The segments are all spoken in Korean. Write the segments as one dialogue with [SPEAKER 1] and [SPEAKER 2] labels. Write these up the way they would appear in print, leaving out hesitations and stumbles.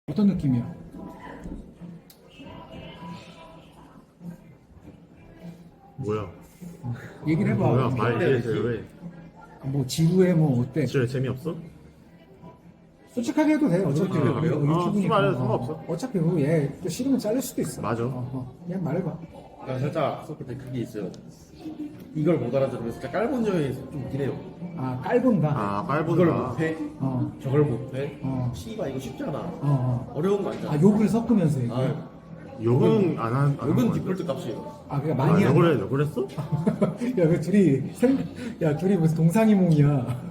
[SPEAKER 1] 어떤 느낌이야?
[SPEAKER 2] 뭐야?
[SPEAKER 1] 얘기를 해봐.
[SPEAKER 2] 뭐야? 말 이해해줘요. 왜?
[SPEAKER 1] 뭐 지루해 뭐 어때?
[SPEAKER 2] 진짜 재미없어?
[SPEAKER 1] 솔직하게 해도 돼. 어차피
[SPEAKER 2] 그래요?
[SPEAKER 1] 우리가 유튜브니까.
[SPEAKER 2] 말해도 상관없어.
[SPEAKER 1] 어차피 얘또 싫으면 자를 수도 있어.
[SPEAKER 2] 맞아.
[SPEAKER 1] 그냥 말해봐.
[SPEAKER 3] 나 살짝 썼을 때 그게 있어요. 이걸 못 알아들으면 살짝 깔본 점이 좀 있긴 해요.
[SPEAKER 1] 아 깔본다.
[SPEAKER 2] 아,
[SPEAKER 3] 이걸
[SPEAKER 2] 빨본다.
[SPEAKER 3] 못해?
[SPEAKER 1] 어.
[SPEAKER 3] 저걸 못해?
[SPEAKER 1] 어.
[SPEAKER 3] 씨발 이거 쉽지 않아.
[SPEAKER 1] 어.
[SPEAKER 3] 어려운 거 아니잖아.
[SPEAKER 1] 아 욕을 섞으면서 얘기해.
[SPEAKER 3] 아,
[SPEAKER 2] 욕은 안
[SPEAKER 3] 욕은 디폴트 값이에요.
[SPEAKER 1] 아 그러니까
[SPEAKER 2] 아,
[SPEAKER 1] 많이 한.
[SPEAKER 2] 욕을 했어?
[SPEAKER 1] 야그 둘이 무슨 동상이몽이야.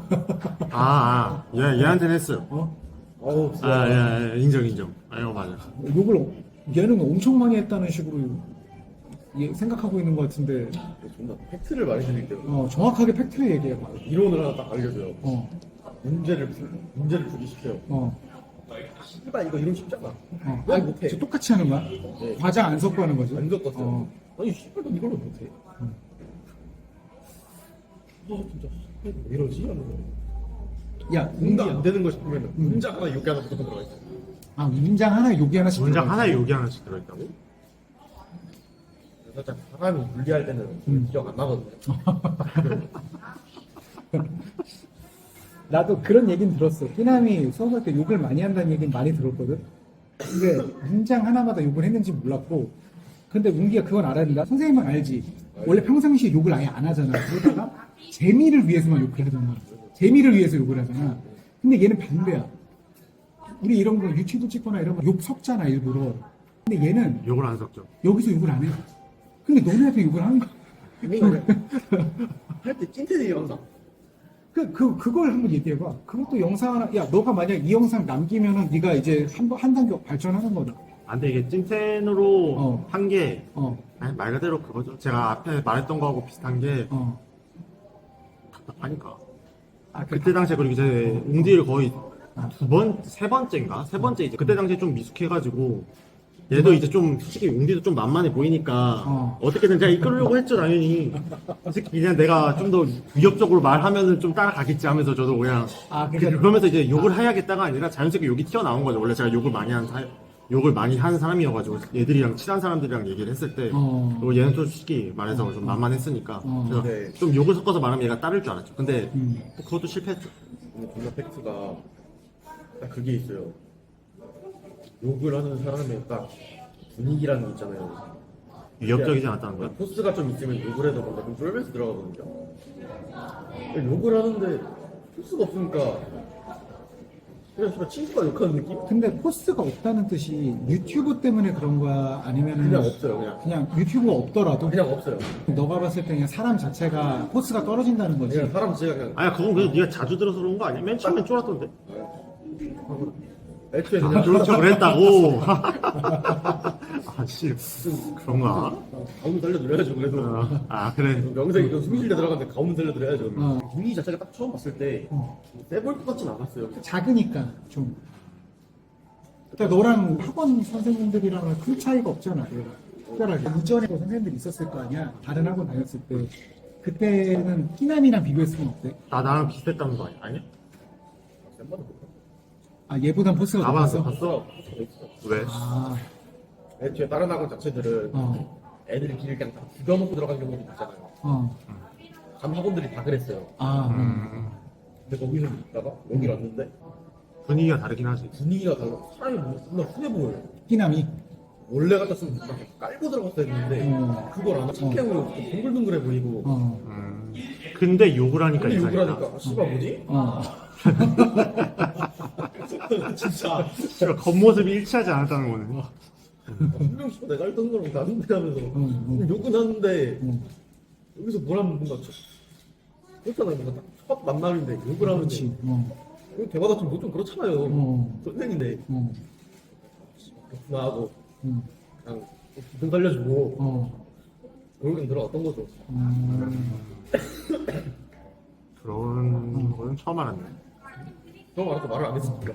[SPEAKER 2] 얘한테는 했어요.
[SPEAKER 1] 어?
[SPEAKER 3] 어우,
[SPEAKER 2] 인정. 아, 이거 맞아.
[SPEAKER 1] 욕을 얘는 엄청 많이 했다는 식으로 생각하고 있는 것 같은데
[SPEAKER 3] 존나 팩트를 말해드릴게요.
[SPEAKER 1] 정확하게 팩트를 얘기해봐.
[SPEAKER 3] 이론을 하나 딱 알려줘요.
[SPEAKER 1] 어.
[SPEAKER 3] 문제를 풀기 시켜요.
[SPEAKER 1] 어.
[SPEAKER 3] 씨발 이거 이론 쉽잖아.
[SPEAKER 1] 어.
[SPEAKER 3] 왜 못해?
[SPEAKER 1] 저 똑같이 하는 거야?
[SPEAKER 3] 네.
[SPEAKER 1] 과장 안 섞고 하는 거지?
[SPEAKER 3] 안 섞었어요.
[SPEAKER 1] 어.
[SPEAKER 3] 아니 씨발 너 이걸로 못해. 진짜 왜 이러지? 하면서
[SPEAKER 1] 야,
[SPEAKER 3] 뭔가 안
[SPEAKER 1] 문장.
[SPEAKER 3] 되는 거 싶으면 문장 하나 욕기 하나 무조건 들어가 있어.
[SPEAKER 1] 아, 문장 하나에 욕이 하나씩.
[SPEAKER 2] 문장
[SPEAKER 1] 들어가
[SPEAKER 2] 하나에
[SPEAKER 1] 있어.
[SPEAKER 2] 욕이 하나씩 들어있다고?
[SPEAKER 3] 살짝 사람이 분리할 때는 기억 안 나거든요.
[SPEAKER 1] 나도 그런 얘기는 들었어. 끼남이 수업할 때 욕을 많이 한다는 얘기는 많이 들었거든. 근데 문장 하나마다 욕을 했는지 몰랐고, 근데 문기가 그건 알아야 된다. 선생님은 알지. 원래 평상시에 욕을 아예 안 하잖아. 그러다가 재미를 위해서만 욕을 하잖아. 재미를 위해서 욕을 하잖아. 근데 얘는 반대야. 우리 이런 거 유튜브 찍거나 이런 거 욕 섞잖아, 일부러. 근데 얘는
[SPEAKER 2] 욕을 안 섞죠.
[SPEAKER 1] 여기서 욕을 안 해. 근데 너네한테 욕을 하는 거야.
[SPEAKER 3] 할때 찐텐이 항상.
[SPEAKER 1] 그걸 한번 얘기해봐. 그것도 영상 하나, 야, 너가 만약 이 영상 남기면은 네가 이제 한 단계 발전하는 거다.
[SPEAKER 2] 안 돼, 이게 찐텐으로 한 게,
[SPEAKER 1] 어,
[SPEAKER 2] 말 그대로 그거죠. 제가 앞에 말했던 거하고 비슷한 게,
[SPEAKER 1] 어.
[SPEAKER 2] 답답하니까.
[SPEAKER 1] 아,
[SPEAKER 2] 그때 당시에 그리고 이제 웅디를 거의 세 번째 이제 그때 당시에 좀 미숙해가지고 얘도 이제 좀 솔직히 웅디도 좀 만만해 보이니까 어떻게든 제가 이끌려고 했죠 당연히. 솔직히 그냥 내가 좀 더 위협적으로 말하면은 좀 따라가겠지 하면서 저도 그냥
[SPEAKER 1] 그러니까
[SPEAKER 2] 그러면서 이제 욕을 해야겠다가 아니라 자연스럽게 욕이 튀어나온 거죠. 원래 제가 욕을 많이 하는 사람이어가지고 얘들이랑 친한 사람들이랑 얘기를 했을 때 그리고 얘는 솔직히 말해서 좀 만만했으니까 그래서
[SPEAKER 3] 네.
[SPEAKER 2] 좀 욕을 섞어서 말하면 얘가 따를 줄 알았죠. 근데 그것도 실패했죠.
[SPEAKER 3] 근데 존나 팩트가 딱 그게 있어요. 욕을 하는 사람의 딱 분위기라는 게 있잖아요.
[SPEAKER 2] 위협적이지 않았다는 거야?
[SPEAKER 3] 포스가 좀 있으면 욕을 해도 뭔가 좀 쫄면서 들어가거든요. 근데 욕을 하는데 포스가 없으니까 그냥 정말 친구가 욕하는 느낌?
[SPEAKER 1] 근데 포스가 없다는 뜻이 유튜브 때문에 그런 거야? 아니면은
[SPEAKER 3] 그냥 없어요.
[SPEAKER 1] 그냥 유튜브가 없더라도
[SPEAKER 3] 그냥 없어요.
[SPEAKER 1] 너가 봤을 때 그냥 사람 자체가 포스가 떨어진다는 거지.
[SPEAKER 3] 그냥 사람 제가 그냥
[SPEAKER 2] 아야 그건 그래도 네가 자주 들어서 그런 거 아니야? 맨 처음엔 쫄았던데.
[SPEAKER 3] 애초에 그냥
[SPEAKER 2] 그런 척을 했다고. 아씨 그런가?
[SPEAKER 3] 가움 살려드려야죠. 그래도
[SPEAKER 2] 아 그래.
[SPEAKER 3] 명색이 좀 숨쉴 때 들어갔는데 가움 살려드려야죠.
[SPEAKER 1] 어.
[SPEAKER 3] 분위기 자체가 딱 처음 봤을 때 세볼 것 같진 않았어요.
[SPEAKER 1] 작으니까 좀. 그러니까 너랑 학원 선생님들이랑은 큰 차이가 없잖아. 얘가. 특별하게 이전에 선생님들이 있었을 거 아니야. 다른 학원 다녔을 때. 그때는 끼남이랑 비교했으면 어때?
[SPEAKER 2] 나랑 비슷했다는 거 아니야? 아니야?
[SPEAKER 3] 쌤마다 볼까?
[SPEAKER 1] 아 얘보단 포스가
[SPEAKER 2] 아 봤어
[SPEAKER 1] 높았어?
[SPEAKER 2] 봤어? 왜?
[SPEAKER 1] 아,
[SPEAKER 3] 애초에 다른 학원 자체들은 애들이 길을 그냥 다 죽여놓고 들어간 경우도 있잖아요. 간 학원들이 다 그랬어요. 근데 거기서 있다가 여기 왔는데
[SPEAKER 2] 분위기가 다르긴 하지.
[SPEAKER 3] 분위기가 달라. 사람이 뭔가 존나 흔해 보여요.
[SPEAKER 1] 끼남이.
[SPEAKER 3] 원래 같았으면 막 깔고 들어갔어야 했는데 그걸 안 하고 착해하고 동글동글해 보이고
[SPEAKER 2] 근데 욕을 하니까
[SPEAKER 3] 근데 욕을
[SPEAKER 2] 이상하다.
[SPEAKER 3] 하니까 씨발 뭐지? 진짜
[SPEAKER 2] 씨발 겉모습이 일치하지 않았다는 거네.
[SPEAKER 3] 분명 씨발 내가 했던 거랑 다른데 하면서 욕은 하는데 여기서 뭘 하면 뭔가 그렇잖아요. 뭔가 딱 첫 만남인데 욕을 하는데
[SPEAKER 1] 그렇지.
[SPEAKER 3] 여기 대화가 좀 그렇잖아요. 선생인데 그렇구나 하고 그냥 기분 살려주고 결국엔 들어갔던 거죠.
[SPEAKER 2] 그런 거는 처음 알았네.
[SPEAKER 3] 처음 알아서 말을 안 했으니까.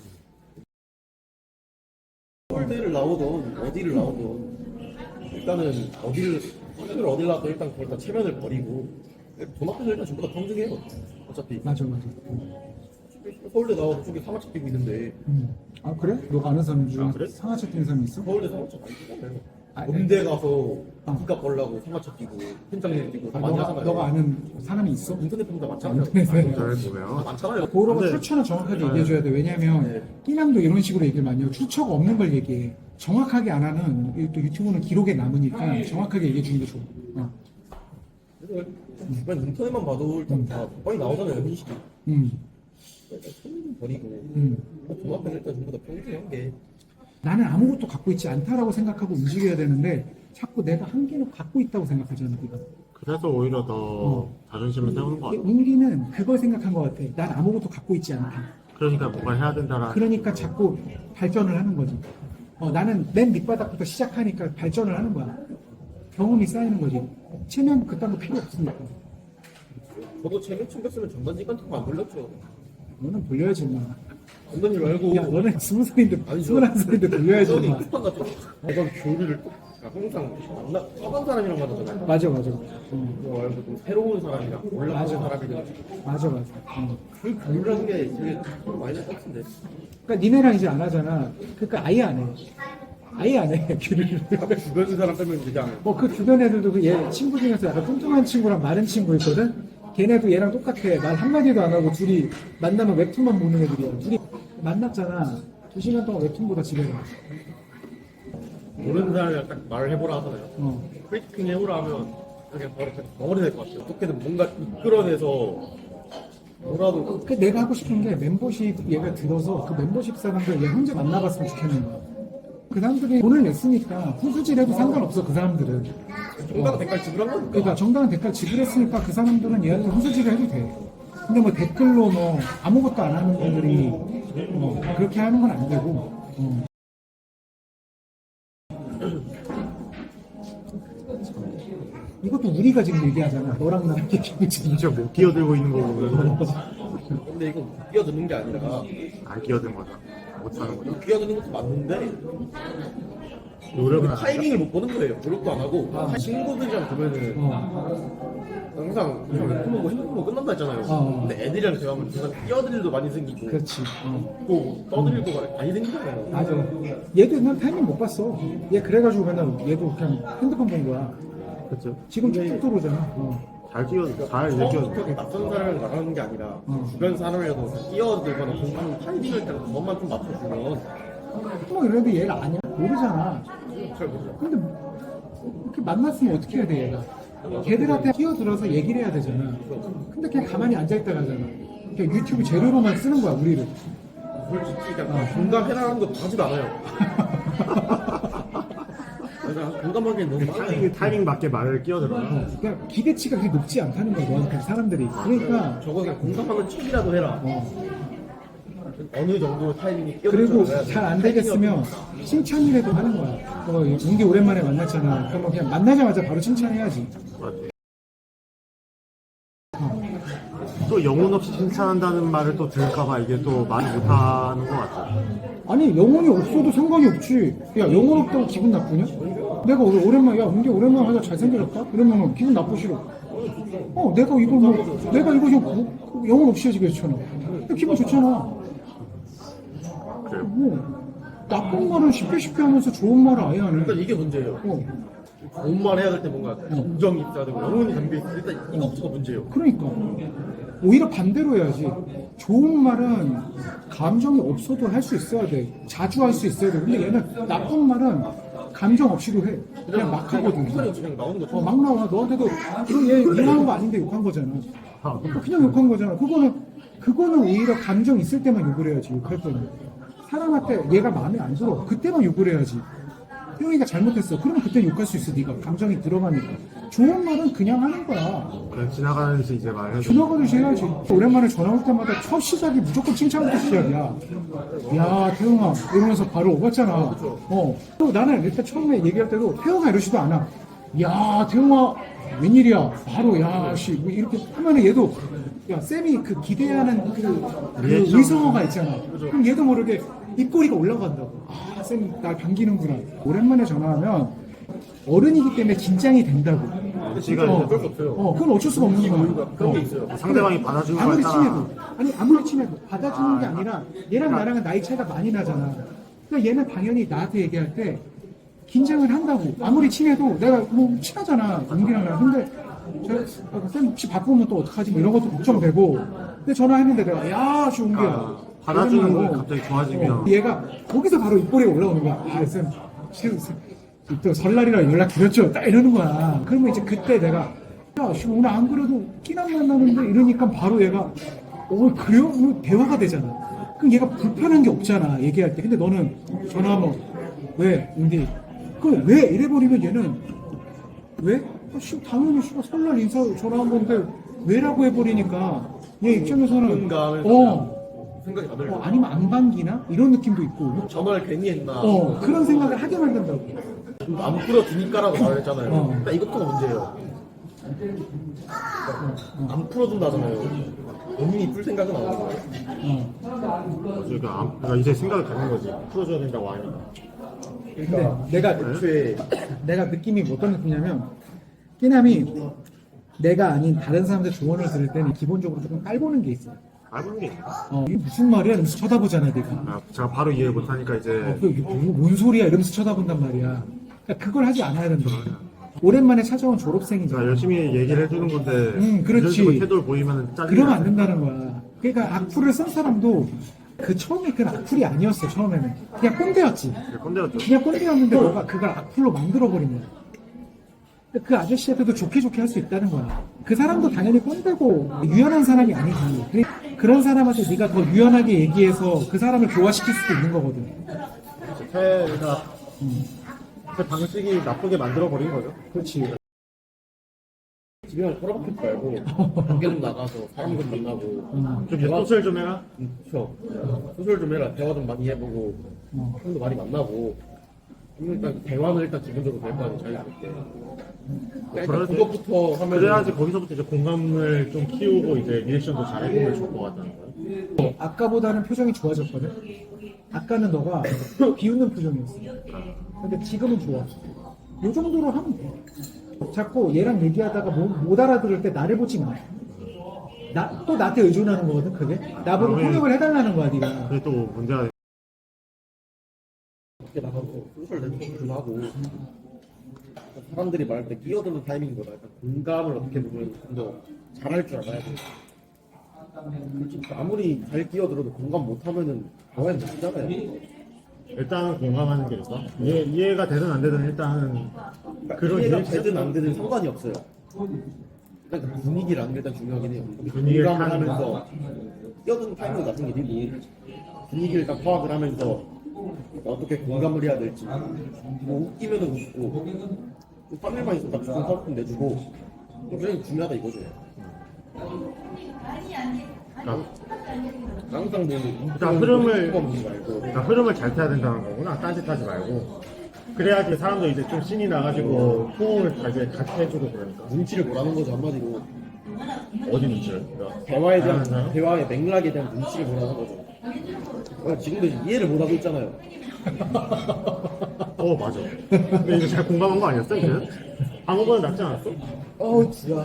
[SPEAKER 3] 서울대를 나오던 어디를 나오던 일단은 어디를 나와도 일단 그걸 다 체면을 버리고 돈 앞에서 일단 전부 다 평등해요. 어차피
[SPEAKER 1] 맞아.
[SPEAKER 3] 서울대 나와서 저기 상하차 뛰고 있는데
[SPEAKER 1] 아 그래? 너가 아는 사람 중에
[SPEAKER 2] 아, 그래?
[SPEAKER 1] 상하차 뛰는 사람이 있어?
[SPEAKER 3] 서울대 상하차 많이 뛰잖아요.
[SPEAKER 1] 아,
[SPEAKER 3] 음대 가서 국값 벌라고 상하차 뛰고 현장일 뛰고
[SPEAKER 1] 아,
[SPEAKER 3] 많이
[SPEAKER 1] 너가,
[SPEAKER 3] 하잖아요.
[SPEAKER 1] 너가 아는 사람이 있어?
[SPEAKER 3] 인터넷 보면 다 많잖아요.
[SPEAKER 1] 인터넷에.
[SPEAKER 2] 잘 보면
[SPEAKER 3] 많잖아요.
[SPEAKER 1] 그거가
[SPEAKER 2] 근데-
[SPEAKER 1] 출처는 정확하게 얘기해줘야 돼. 왜냐면
[SPEAKER 3] 네.
[SPEAKER 1] 끼남도 이런 식으로 얘기를 많이 해요. 출처가 없는 걸 얘기해. 정확하게 안 하는 또 유튜브는 기록에 남으니까 정확하게 얘기해 주는 게 좋아.
[SPEAKER 3] 그래서 주변 인터넷만 봐도 일단 다 많이 나오잖아요. 현실이.
[SPEAKER 1] 음.
[SPEAKER 3] 일단 손좀 버리고
[SPEAKER 1] 음.
[SPEAKER 3] 종합해서 일단 전부 다 평등한 게
[SPEAKER 1] 나는 아무것도 갖고 있지 않다라고 생각하고 움직여야 되는데 자꾸 내가 한 개는 갖고 있다고 생각하잖아, 네가.
[SPEAKER 2] 그래서 오히려 더 자존심을 세우는 것 같아.
[SPEAKER 1] 운기는 그걸 생각한 것 같아. 난 아무것도 갖고 있지 않다.
[SPEAKER 2] 그러니까 뭔가 해야 된다라는.
[SPEAKER 1] 그러니까 자꾸 발전을 하는 거지. 나는 맨 밑바닥부터 시작하니까 발전을 하는 거야. 경험이 쌓이는 거지. 체면 그딴 거 필요 없으니까.
[SPEAKER 3] 저도 체면 챙겼으면 전단지 같은 거 안 돌렸죠.
[SPEAKER 1] 너는 돌려야지, 마.
[SPEAKER 3] 전단지 말고
[SPEAKER 1] 야, 너는 20살인데,
[SPEAKER 3] 아니,
[SPEAKER 1] 21살인데 돌려야지,
[SPEAKER 3] 저는
[SPEAKER 1] 마.
[SPEAKER 3] 쿠팡 같은 거. 내가 교류를 항상 만나 떠간 사람이랑 만나잖아요.
[SPEAKER 1] 맞아, 맞아.
[SPEAKER 3] 그거 말고 좀 새로운 사람이랑 올라가는
[SPEAKER 1] 맞아.
[SPEAKER 3] 사람이랑
[SPEAKER 1] 맞아, 맞아.
[SPEAKER 3] 그 교류라는 게 되게 많이 것 같은데.
[SPEAKER 1] 그러니까 니네랑 이제 안 하잖아. 그러니까 아예 안 해. 아예 안 해, 교류를.
[SPEAKER 3] 주변 사람 빼면 그냥
[SPEAKER 1] 그 주변 애들도 그 얘 친구 중에서 약간 뚱뚱한 친구랑 마른 친구 있거든? 걔네도 얘랑 똑같아. 말 한마디도 안 하고 둘이 만나면 웹툰만 보는 애들이야. 둘이 만났잖아. 2시간 동안 웹툰 보다 집에 가.
[SPEAKER 3] 모르는 사람이랑 딱 말을 해보라 하잖아요.
[SPEAKER 1] 어.
[SPEAKER 3] 프리티킹 해보라 하면 그냥 바로 덩어리 될 것 같아요. 어떻게든 뭔가 이끌어내서 뭐라도
[SPEAKER 1] 그 내가 하고 싶은 게 멤버십 얘가 들어서 그 멤버십 사람들 얘 혼자 만나봤으면 좋겠는 거야. 그 사람들이 돈을 냈으니까 후수질해도 상관없어, 그 사람들은.
[SPEAKER 3] 정당한 대가를 지불한 거니까.
[SPEAKER 1] 그러니까 정당한 대가를 지불했으니까 그 사람들은 얘한테 후수질을 해도 돼. 근데 뭐 댓글로 뭐 아무것도 안 하는 분들이 그렇게 하는 건 안 되고. 이것도 우리가 지금 얘기하잖아. 너랑 나랑 얘기하고 지금.
[SPEAKER 2] 진짜 못 끼어들고 있는 거 보면
[SPEAKER 3] 근데 이거 끼어드는 게 아니라
[SPEAKER 2] 안 끼어든 거죠. 못 하는 거죠.
[SPEAKER 3] 끼어드는 것도 맞는데
[SPEAKER 2] 노력은 안
[SPEAKER 3] 타이밍을 못 보는 거예요. 노력도 안 하고 친구들이랑 보면은 항상 핸드폰 보고 핸드폰 보고 끝난다 했잖아요. 근데 애들이랑 대화하면 중간에 끼어들 일도 많이 생기고
[SPEAKER 1] 그렇지.
[SPEAKER 3] 또 떠들 일도 많이 생기잖아요.
[SPEAKER 1] 맞아. 얘도 난 타이밍 못 봤어. 얘 그래가지고 맨날 얘도 그냥 핸드폰 본 거야.
[SPEAKER 2] 그렇죠.
[SPEAKER 1] 지금 쭉쭉 들어오잖아.
[SPEAKER 2] 잘 끼어든, 잘
[SPEAKER 3] 처음부터
[SPEAKER 2] 끼어든.
[SPEAKER 3] 낯선 사람을 나가는 게 아니라 주변 사람이라도 끼어들거나 공부하는 타이밍을 때 그것만 좀 맞춰주면
[SPEAKER 1] 뭐 이래도 얘를 아냐? 모르잖아.
[SPEAKER 3] 잘 모르죠.
[SPEAKER 1] 근데 이렇게 만났으면 어떻게 해야 돼, 얘가? 걔들한테 끼어들어서 얘기를 해야 되잖아. 근데 걔 가만히 앉아있다 가잖아. 그냥 유튜브 재료로만 쓰는 거야, 우리를.
[SPEAKER 3] 솔직히 그냥 공감해라는 것도 하지도 않아요. 그러니까 공감하기엔 너무 많아요.
[SPEAKER 2] 타이밍 맞게 말을 끼어들어요.
[SPEAKER 1] 그러니까 기대치가 그렇게 높지 않다는 거야, 너한테 사람들이. 그러니까,
[SPEAKER 3] 저거 그냥 공감하는 척이라도 해라. 어느 정도 타이밍이 끼어들지
[SPEAKER 1] 그리고
[SPEAKER 3] 않아야
[SPEAKER 1] 잘 안 되겠으면 칭찬이라도 하는 거야. 은기 오랜만에 만났잖아. 그러면 그냥 만나자마자 바로 칭찬해야지.
[SPEAKER 2] 맞아. 또 영혼 없이 칭찬한다는 말을 또 들을까봐 이게 또 많이 못하는 것 같아요.
[SPEAKER 1] 아니, 영혼이 없어도 상관이 없지. 야, 영혼 없다고 기분 나쁘냐? 내가 오랜만에, 야, 은기 오랜만에 하자 잘생겨졌다? 이러면 기분 나쁘시러. 내가 이거 좀 영혼 없이 해지게 좋잖아. 기분 좋잖아.
[SPEAKER 2] 그래요.
[SPEAKER 1] 나쁜 말은 쉽게 하면서 좋은 말을 아예 안 해.
[SPEAKER 3] 일단 이게 문제예요. 좋은 말 해야 될 때 뭔가 감정이 있어야 되고 영혼이 담겨있어. 일단 이것부터가 문제예요.
[SPEAKER 1] 그러니까 오히려 반대로 해야지. 좋은 말은 감정이 없어도 할 수 있어야 돼. 자주 할 수 있어야 돼. 근데 얘는 나쁜 말은 감정 없이도 해. 그냥 막 하거든.
[SPEAKER 3] 그냥 나오는 거죠.
[SPEAKER 1] 막 나와. 너한테도 얘 이상한 거 아닌데 욕한 거잖아. 그냥 욕한 거잖아. 그거는 오히려 감정 있을 때만 욕을 해야지. 욕할 때는 사람한테 얘가 마음에 안 들어. 그때만 욕을 해야지. 태용이가 잘못했어. 그러면 그때 욕할 수 있어. 네가 감정이 들어가니까. 좋은 말은 그냥 하는 거야.
[SPEAKER 2] 그냥 지나가는지 이제 말해줘.
[SPEAKER 1] 지나가듯이 해야지. 오랜만에 전화 올 때마다 첫 시작이 무조건 칭찬부터 시작이야. 야, 태용아. 이러면서 바로 오갔잖아. 또 나는 일단 처음에 얘기할 때도 태용아 이러지도 않아. 야, 태용아. 웬일이야. 바로, 야, 씨. 뭐 이렇게 하면은 얘도, 야, 쌤이 그 기대하는 그 의성어가 있잖아. 그럼 얘도 모르게 입꼬리가 올라간다고. 아, 쌤, 날 반기는구나. 오랜만에 전화하면 어른이기 때문에 긴장이 된다고.
[SPEAKER 2] 눈치가
[SPEAKER 3] 어쩔 수 없어요.
[SPEAKER 1] 그건 어쩔 수가 없는 거야.
[SPEAKER 3] 그런 게 있어요.
[SPEAKER 2] 상대방이 받아주는
[SPEAKER 1] 아무리
[SPEAKER 2] 거에 따라
[SPEAKER 1] 친해도 아니 아무리 친해도 받아주는 게 아니라 얘랑 나랑은 나이 차이가 많이 나잖아. 그러니까 얘는 당연히 나한테 얘기할 때 긴장을 한다고. 아무리 친해도 내가 뭐 친하잖아 은기랑 나랑. 근데 쌤 혹시 바쁘면 또 어떡하지 뭐 이런 것도 걱정되고. 근데 전화했는데 내가 야 웅기야
[SPEAKER 2] 받아주는 거 갑자기 좋아지면
[SPEAKER 1] 얘가 거기서 바로 입꼬리가 올라오는 거야. 아 쌤 또 설날이라 연락 드렸죠 딱 이러는 거야. 그러면 이제 그때 내가 야 씨, 오늘 안 그래도 끼남 만나는데 이러니까 바로 얘가 그래요? 대화가 되잖아. 그럼 얘가 불편한 게 없잖아 얘기할 때. 근데 너는 전화하면 왜? 근데 그 왜? 이래버리면 얘는 왜? 당연히 설날 인사 전화한 건데 왜라고 해버리니까 얘 입장에서는
[SPEAKER 3] 생각이 안 들어요.
[SPEAKER 1] 아니면 안 반기나? 이런 느낌도 있고
[SPEAKER 3] 전화를 괜히 했나.
[SPEAKER 1] 그런 생각을 하게 만든다고.
[SPEAKER 3] 안 풀어주니까라고 말을 했잖아요. 일단 이것도 문제예요. 안 풀어준다잖아요. 본인이 풀 생각은 안 하는 거예요.
[SPEAKER 2] 그러니까 이제 생각을 갖는 거지. 풀어줘야 된다고 하니까.
[SPEAKER 1] 근데 내가 애초에 내가 느낌이 어떤 느낌이냐면 끼남이 내가 아닌 다른 사람들 조언을 들을 때는 기본적으로 조금 깔보는 게 있어.
[SPEAKER 2] 알고는 게 있나?
[SPEAKER 1] 이게 무슨 말이야? 이러면서 쳐다보잖아 내가.
[SPEAKER 2] 제가 바로 이해 못하니까 이제
[SPEAKER 1] 이게 뭔 소리야? 이러면서 쳐다본단 말이야. 그러니까 그걸 하지 않아야 된다. 오랜만에 찾아온 졸업생이잖아.
[SPEAKER 2] 제가 열심히 얘기를 해주는 건데
[SPEAKER 1] 그렇지.
[SPEAKER 2] 이런 식으로 태도를 보이면 짜증이
[SPEAKER 1] 그러면 안
[SPEAKER 2] 나요.
[SPEAKER 1] 된다는 거야. 그러니까 악플을 쓴 사람도 그 처음에 그건 악플이 아니었어. 처음에는 그냥 꼰대였지.
[SPEAKER 2] 꼰대였죠.
[SPEAKER 1] 그냥 꼰대였는데 너가 그걸 악플로 만들어버린 거야. 그 아저씨한테도 좋게 할 수 있다는 거야. 그 사람도 당연히 꼰대고 유연한 사람이 아니지. 그런 사람한테 네가 더 유연하게 얘기해서 그 사람을 교화시킬 수도 있는 거거든.
[SPEAKER 2] 제 방식이 나쁘게 만들어버린 거죠.
[SPEAKER 1] 그렇지.
[SPEAKER 3] 집에만 꼬라박힐 줄 알고 밖에 좀 나가서 사람들 만나고
[SPEAKER 2] 좀 소설 좀 해라.
[SPEAKER 3] 그쵸. 소설 좀 해라. 대화 좀 많이 해보고 사람도 많이 만나고 일단 대화는 일단 기본적으로 될 거 아니에요. 자기한테. 일단 그것부터 하면
[SPEAKER 2] 그래야지 거기서부터 이제 공감을 좀 키우고 이제 리액션도 잘해보면 좋을 것 같다는 거예요.
[SPEAKER 1] 아까보다는 표정이 좋아졌거든. 아까는 너가 비웃는 표정이었어. 근데 지금은 좋아. 이 정도로 하면 돼. 자꾸 얘랑 얘기하다가 못 알아들을 때 나를 보지 마. 또 나한테 의존하는 거거든, 그게. 나보고 통역을 해달라는 거야, 네가.
[SPEAKER 2] 그게 또 문제가
[SPEAKER 3] 밖에 나가서 소설 내는 좀 하고 사람들이 말할 때 끼어드는 타이밍보다 약간 공감을 어떻게 보면 좀 더 잘할 줄 알아야 돼. 솔직히 아무리 잘 끼어들어도 공감 못하면은 대화는 못 하잖아요.
[SPEAKER 2] 일단 공감하는 게 있어. 이해가 되든 안 되든 일단 그런
[SPEAKER 3] 이해가
[SPEAKER 2] 리액션?
[SPEAKER 3] 되든 안 되든 상관이 없어요. 일단 그 분위기라는 게 일단 중요하긴 해요.
[SPEAKER 2] 분위기를
[SPEAKER 3] 공감을
[SPEAKER 2] 타는
[SPEAKER 3] 하면서 끼어드는 타이밍도 나쁜 게 아니고 분위기를 딱 파악을 하면서 어떻게 공감을 해야 될지 뭐 웃기면은 웃고 또 땀일만 있으면 딱 좋은 파악품 내주고 그게 중요하다 이거죠. 항상 뭐
[SPEAKER 2] 흐름을
[SPEAKER 3] 말고
[SPEAKER 2] 흐름을 잘 타야 된다는 거구나. 딴짓하지 말고. 그래야지 사람도 이제 좀 신이 나가지고 호응을 같이 해주고 그러니까.
[SPEAKER 3] 눈치를 보라는 거죠 한마디로.
[SPEAKER 2] 어디 눈치를?
[SPEAKER 3] 대화에 대한
[SPEAKER 2] 사람?
[SPEAKER 3] 대화의 맥락에 대한 눈치를 보라는 거죠. 지금도 이해를 못 하고 있잖아요.
[SPEAKER 2] 맞아. 근데 이거 잘 공감한 거 아니었어 이제? 방어보다 낫지 않았어?
[SPEAKER 3] 지야.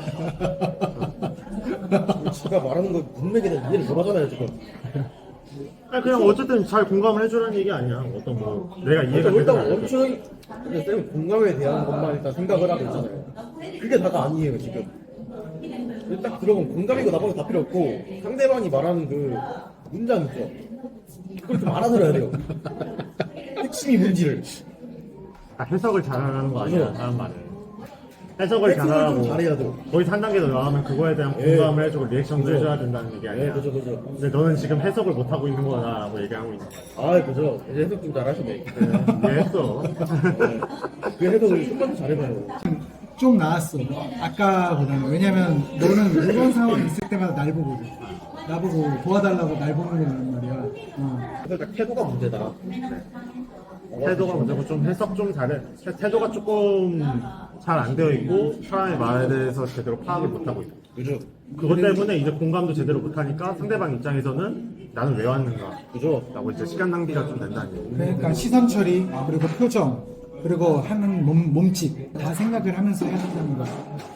[SPEAKER 3] 지가 말하는 거 문맥에 대한 이해를 못 하잖아요 지금.
[SPEAKER 2] 아니 그냥 어쨌든 잘 공감을 해주라는 얘기 아니야. 어떤 뭐 내가 이해가
[SPEAKER 3] 일단
[SPEAKER 2] 되든 안 되든.
[SPEAKER 3] 원초적인 근데 쌤 공감에 대한 것만 일단 생각을 하고 있잖아요. 그게 다가 아니에요 지금. 딱 들어보면 공감이고 나머지 다 필요 없고 상대방이 말하는 그 문장 있죠. 그걸 좀 알아들어야 돼요. 핵심이 뭔지를.
[SPEAKER 2] 해석을 잘하는 거 아니야
[SPEAKER 3] 그죠?
[SPEAKER 2] 사람 말을. 해석을
[SPEAKER 3] 좀
[SPEAKER 2] 잘하고
[SPEAKER 3] 잘해야 돼요.
[SPEAKER 2] 거의 한 단계 더 나가면 그거에 대한
[SPEAKER 3] 예.
[SPEAKER 2] 공감을 해주고 리액션도
[SPEAKER 3] 그죠.
[SPEAKER 2] 해줘야 된다는 얘기 아니야.
[SPEAKER 3] 그죠.
[SPEAKER 2] 근데 너는 지금 해석을 못하고 있는 거다라고 얘기하고 있는 거야.
[SPEAKER 3] 그죠. 이제 해석 좀 잘하시네.
[SPEAKER 2] 이해했어.
[SPEAKER 3] 그 해석을 좀만 잘해봐요.
[SPEAKER 1] 좀 나았어. 아까보다는. 왜냐면 너는 이런 상황이 있을 때마다 날 보거든. 나보고 도와달라고 날 보는 거란 말이야.
[SPEAKER 3] 살짝 태도가 문제다.
[SPEAKER 2] 태도가 문제고 좀 해석 좀 잘해. 태도가 조금 잘 안 되어 있고 사람의 말에 대해서 제대로 파악을 못하고 있고.
[SPEAKER 3] 그죠.
[SPEAKER 2] 그것 때문에 이제 공감도 제대로 못하니까 상대방 입장에서는 나는 왜 왔는가.
[SPEAKER 3] 그죠.
[SPEAKER 2] 라고 이제 시간 낭비가 좀 된다는 얘기.
[SPEAKER 1] 그러니까 시선 처리, 그리고 표정, 그리고 하는 몸짓 다 생각을 하면서 해야 한다는 거야.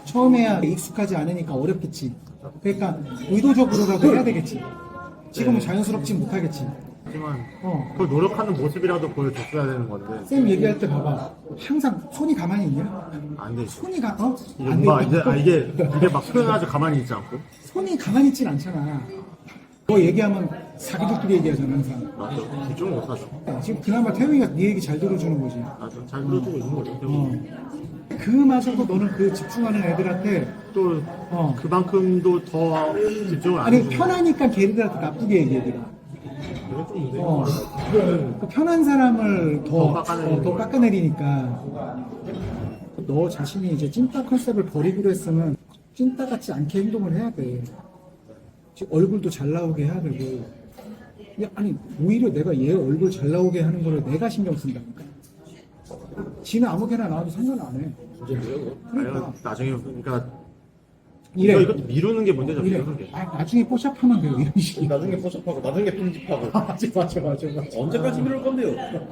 [SPEAKER 1] 처음에야 익숙하지 않으니까 어렵겠지. 그러니까 의도적으로라도 해야 되겠지. 지금은
[SPEAKER 2] 네.
[SPEAKER 1] 자연스럽지 못하겠지.
[SPEAKER 2] 하지만
[SPEAKER 1] 어.
[SPEAKER 2] 그걸 노력하는 모습이라도 보여줬어야 되는 건데
[SPEAKER 1] 쌤 얘기할 때 봐봐. 항상 손이 가만히 있냐?
[SPEAKER 2] 안 되지.
[SPEAKER 1] 손이 안
[SPEAKER 2] 이게
[SPEAKER 1] 돼.
[SPEAKER 2] 뭔가 이제 이게 막 표현하지 가만히 있지 않고.
[SPEAKER 1] 손이 가만히 있진 않잖아. 너 얘기하면 자기들끼리 얘기하잖아, 항상.
[SPEAKER 2] 맞죠. 집중을 못하죠.
[SPEAKER 1] 지금 그나마 태용이가 네 얘기 잘 들어주는 거지.
[SPEAKER 2] 맞죠. 잘 들어주고 있는 거죠.
[SPEAKER 1] 어. 그마저도 너는 그 집중하는 애들한테
[SPEAKER 2] 또
[SPEAKER 1] 어.
[SPEAKER 2] 그만큼도 더 집중을 안
[SPEAKER 1] 아니
[SPEAKER 2] 해주고.
[SPEAKER 1] 편하니까 걔들한테 나쁘게 얘기해.
[SPEAKER 2] 그건 좀 문제.
[SPEAKER 1] 어. 그 편한 사람을
[SPEAKER 2] 더 깎아내리는
[SPEAKER 1] 더
[SPEAKER 2] 거예요.
[SPEAKER 1] 깎아내리니까 너 자신이 이제 찐따 컨셉을 버리기로 했으면 찐따 같지 않게 행동을 해야 돼. 지금 얼굴도 잘 나오게 해야 되고. 야, 아니 오히려 내가 얘 얼굴 잘 나오게 하는 거를 내가 신경 쓴다니까. 지는 아무개나 나와도 상관 안 해.
[SPEAKER 3] 문제인데요,
[SPEAKER 1] 그러니까
[SPEAKER 2] 아니, 나중에 그러니까
[SPEAKER 1] 이래.
[SPEAKER 2] 이것도 미루는 게 문제죠.
[SPEAKER 1] 이래.
[SPEAKER 2] 미루는 게.
[SPEAKER 1] 아, 나중에 뽀샵하면 돼요 이런 식이.
[SPEAKER 3] 나중에 포샵하고, 나중에 편집하고.
[SPEAKER 1] 맞아.
[SPEAKER 3] 언제까지 미룰 건데요?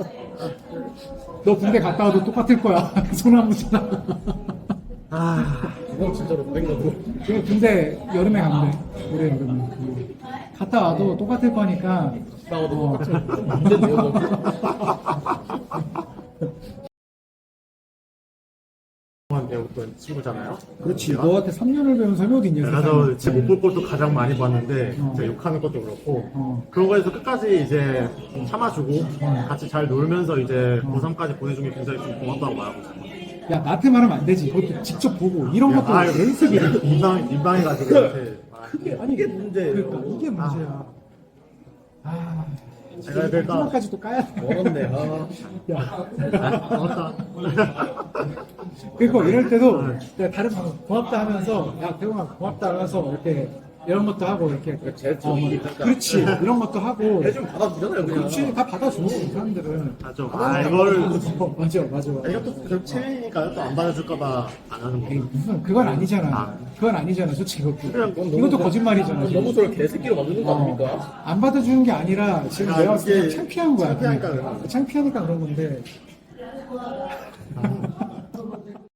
[SPEAKER 1] 너 군대 갔다 와도 똑같을 거야. 소나무잖아.
[SPEAKER 2] 아,
[SPEAKER 3] 그건 진짜로 다른 거고.
[SPEAKER 1] 그 군대 여름에 간대. 올해 여름에. 갔다 와도 똑같을 거니까.
[SPEAKER 3] 나와도
[SPEAKER 1] 어.
[SPEAKER 3] 문제인데요, 너무.
[SPEAKER 2] 한 배웠던 친구잖아요.
[SPEAKER 1] 그렇지. 너한테 3년을 배운 사람이 어디 있냐.
[SPEAKER 2] 그래서
[SPEAKER 1] 세상에.
[SPEAKER 2] 지금 못 볼 것도 가장 많이 봤는데
[SPEAKER 1] 어.
[SPEAKER 2] 제가 욕하는 것도 그렇고
[SPEAKER 1] 어.
[SPEAKER 2] 그런 거에서 끝까지 이제 참아주고 같이 잘 놀면서 이제 고3까지 보내준 게 굉장히 좀 고맙다고 말하고 있어요.
[SPEAKER 1] 야, 나한테 말하면 안 되지. 그것도 직접 보고. 이런 것도 연습이야.
[SPEAKER 2] 민망해가지고 이렇게
[SPEAKER 1] 그게, 아니,
[SPEAKER 3] 이게 문제예요.
[SPEAKER 1] 그러니까 이게 문제야. 아.
[SPEAKER 2] 제가 그러니까
[SPEAKER 1] 마지막까지 또 까야 돼.
[SPEAKER 3] 멀었네, 아.
[SPEAKER 1] 야.
[SPEAKER 2] 고맙다.
[SPEAKER 1] 그리고 이럴 때도 내가 다른 방 고맙다 하면서 야 대웅아 고맙다 하면서 이렇게 이런 것도 하고 이렇게
[SPEAKER 3] 제일
[SPEAKER 1] 뭐, 그렇지 이런 것도 하고
[SPEAKER 3] 해주면 받아주잖아요, 그냥.
[SPEAKER 1] 그렇지 다 받아줘 이 사람들은
[SPEAKER 2] 맞죠. 이거를
[SPEAKER 1] 맞아
[SPEAKER 2] 이것도 결국 체리니까 또 안 받아줄까봐 안 하는
[SPEAKER 1] 에이,
[SPEAKER 2] 거고.
[SPEAKER 1] 무슨 그건 아니잖아
[SPEAKER 2] 아.
[SPEAKER 1] 그건 아니잖아 솔직히 그것도
[SPEAKER 3] 그건 너무
[SPEAKER 1] 이것도 거짓말이잖아
[SPEAKER 3] 너무 저를 개새끼로 만드는 거 아닙니까?
[SPEAKER 1] 안 받아주는 게 아니라 지금
[SPEAKER 2] 아,
[SPEAKER 1] 내가 봤을 때
[SPEAKER 2] 이게
[SPEAKER 1] 창피한 거야
[SPEAKER 2] 창피하니까 그런 거야.
[SPEAKER 1] 창피하니까 그런 건데